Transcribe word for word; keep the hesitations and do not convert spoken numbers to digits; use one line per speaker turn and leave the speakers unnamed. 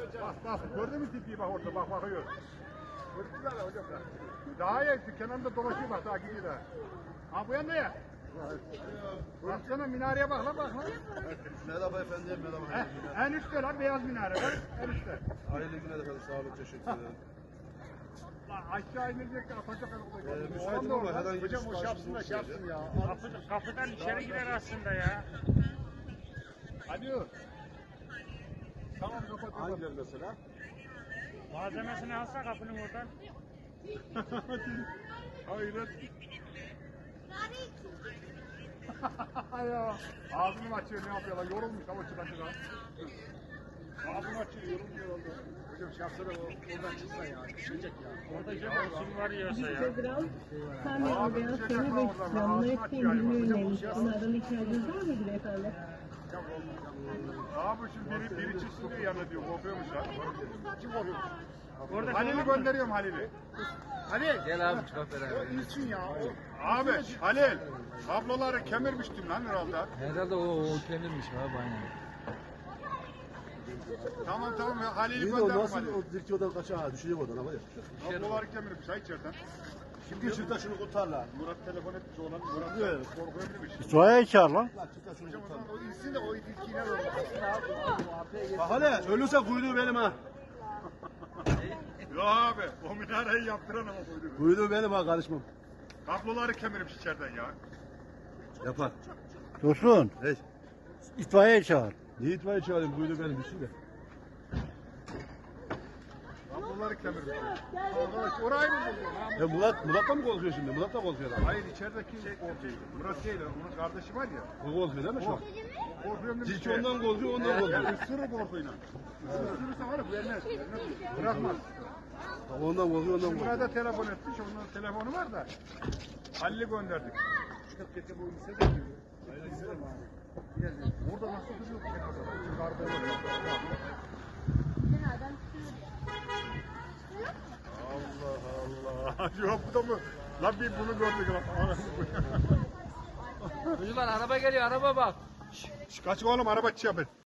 Bak bak gördün mü tipiyi bak orada bak bakıyor. Gördünüz mü hocam? Daha iyi kenarında dolaşıyor bak daha gidiyor daha. Ha bu yanda ya. Baksana minareye bak lan bak lan.
Merhaba efendim, merhaba.
En üstte lan beyaz minare var. En üstte.
Hayırlı günler efendim, sağ olun, teşekkür ederim.
Lan aşağı inecek de atacak arada.
Ee, müsaitim ama herhangi bir
hocam o şapsın da şapsın ya.
Kapı, kapıdan içeri girer aslında ya.
Hadi. Tamam kapat. Hangi mesela?
Malzemesini alsa kapının oradan.
Hayret. ya. Ağzını mı açıyor ne yapıyorlar? Yorulmuş ama çıkan çıkan. Ağzını açıyor yorulmuyor oldu. Hocam şapsana oradan çıksa ya. Düşecek ya.
Orada cep olsun var yiyorsa ya.
Instagram, sen de oraya seni bekliyorum. Netflix ürünlerine ilişkin aradan ihtiyacınız var mıydı beyefendi?
Abi şimdi biri, biri çıksın diyor yanına diyor. Korkuyormuş ha. Kim korkuyor?
Orada
Halil'i gönderiyorum Halil'i. Halil.
Gel abi çıkart beraber.
İlçin ya. Abi Halil. Kabloları kemirmiştin lan herhalde.
Herhalde o, o kemirmiş abi aynen.
Tamam tamam ya Halil'i
İyi de o
gönderdim
nasıl
Halil.
o dilki odan kaçar ha, düşecek odan ama ya.
Kabloları kemirmiş ha içeriden.
Şimdi çifte şunu kurtarla.
Murat telefon etmiş oğlan. Murat
Evet.
korkuyormuş.
İsmail'e çağır lan.
Lan çifte şunu
Hocam o
kurtarla.
zaman o insin de o ilk iner olur.
Bak hele, ölürse kuyruğu benim ha.
Yo abi o minareyi yaptıran ama buydu.
Kuyruğu benim ha, karışmam.
Kabloları kemirmiş içeriden ya.
Yapar.
Dursun.
Hey.
İtfaiye çağır.
Niye itfaiye çağırayım, kuyruğu benim bir şey de.
Kabloları kemirmiş. Arkadaş orayı mı buldun?
Ya Murat, Murat da mı korkuyor şimdi? Murat da korkuyor lan.
Hayır içerideki korkuyor. Murat değil onun kardeşi var ya.
O korkuyor değil mi şu an?
Korkuyorum demiş.
Dilki ondan korkuyor, ondan korkuyor.
Yani ısırır korkuyla. Isırırsa var ya vermez. vermez. Bırakmaz.
Ondan korkuyor, ondan
Şimdi
korkuyor.
Murat'a telefon etmiş. Onun telefonu var da. Halil'i gönderdik. Çıkıp getir bu lise de geliyor. Orada nasıl duruyor bu kenarda? Yukarıda var. Allah Allah. Yok bu da mı? Lan bir bunu gördük lan.
Çocuklar araba geliyor araba bak.
Şş, kaç oğlum araba çiğ